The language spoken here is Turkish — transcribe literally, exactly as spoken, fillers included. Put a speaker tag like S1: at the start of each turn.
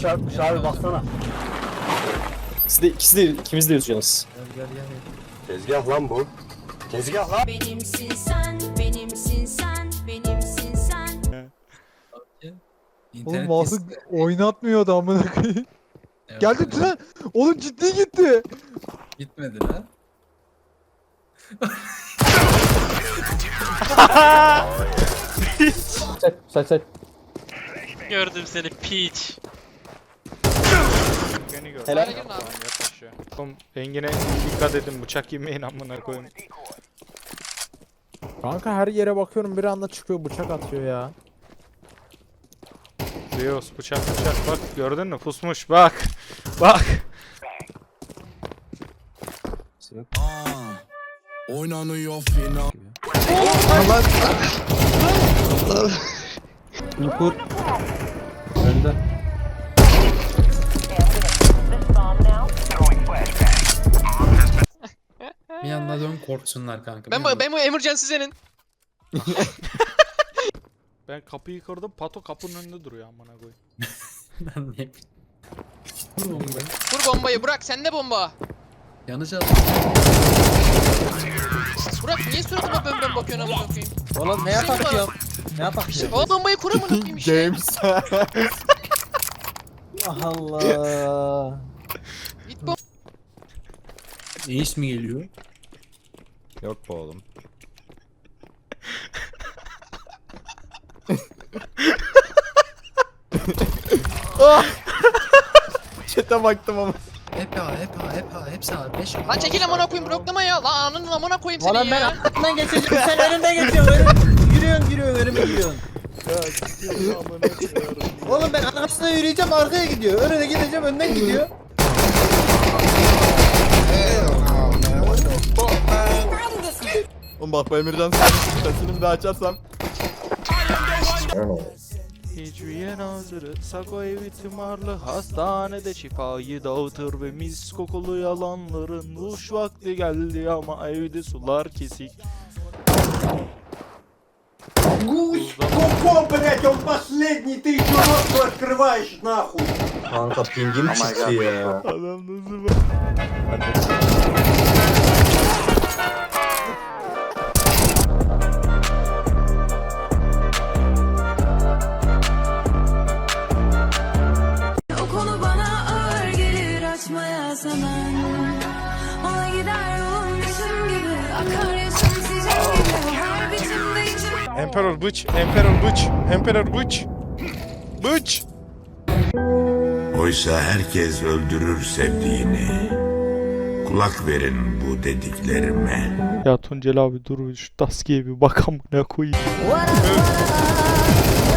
S1: çarpmış abi baksana.
S2: İkisi de, ikisi de, ikimiz de yüzüyoruz.
S1: Gel gel gel.
S3: Tezgah lan bu. Tezgah lan.
S4: Benimsin sen, benimsin sen, benimsin sen.
S5: Oğlum
S1: İnternet
S5: mouse'u
S1: kesildi.
S5: oynatmıyordu amına koyayım.
S1: Evet,
S5: Geldi
S1: evet.
S5: Tren. Oğlum ciddi gitti.
S1: Gitmedi lan.
S2: Say say say.
S6: Gördüm seni piç.
S7: Beni gör.
S2: Helal.
S7: Tamam, yat aşağı. Oğlum Engin'e dikkat edin, bıçak yemeyin amına koyayım.
S8: Kanka her yere bakıyorum bir anda çıkıyor bıçak atıyor ya.
S7: Zeus bıçak bıçak bak gördün mü pusmuş bak. Bak.
S9: Oynanıyor final.
S2: Nukur. Önde.
S1: Bir yandan dön korksunlar kanka.
S6: Ben bu, ben bu emergency senin.
S7: Ben kapıyı kırdım, Pato kapının önünde duruyor amına koyayım.
S1: Ben ne yapayım? Vur bombayı.
S6: Vur bombayı Burak, sende bomba.
S1: Yanlış aldım.
S6: Burak niye suratıma bön bön bakıyorsun amına koyayım?
S1: Oğlum ne yapak ya? Ne yapak ya?
S6: O bombayı kur amına koyayım işte.
S8: James.
S2: Allah.
S6: Git bomba.
S1: Ace mi geliyor?
S8: Yok be oğlum. Çete baktım ama.
S1: Hep ha, hep ha, hep ha, hepsi ha. Beş
S6: Lan çekil amına koyayım bloklama ya. Lan ananın amına koyayım seni
S1: Valla
S6: ya.
S1: ben arkamdan geçeceğim, sen önümden geçiyorsun. Önüm, yürüyorsun, yürüyorsun, önüme gidiyorsun. Oğlum ben arkasına yürüyeceğim, arkaya gidiyor. Önüne gideceğim, önden gidiyor.
S8: Oğlum bak bu Emircan sesini bir daha açarsam.
S7: Hicviye nazırı Sako evi tımarlı hastanede şifayı dağıtır ve mis kokulu yalanların uç vakti geldi ama evde sular kesik.
S3: Гусь, купон, блять, он последний, ты еще рот открываешь, нахуй. Kanka pingim çıktı ya.
S7: Adam nasıl bak?
S4: O konu bana ağır gelir açmaya zaman. Ona gider yolum düşüm gibi, akar yaşım sizin gibi. Her biçimde içim.
S7: Emperor bıç, Emperor bıç, Emperor bıç. Bıç.
S9: Oysa herkes öldürür sevdiğini. Kulak verin bu dediklerime.
S7: Ya Tuncel abi dur şu taskiye bir bak amına koyayım.
S4: Vara vara,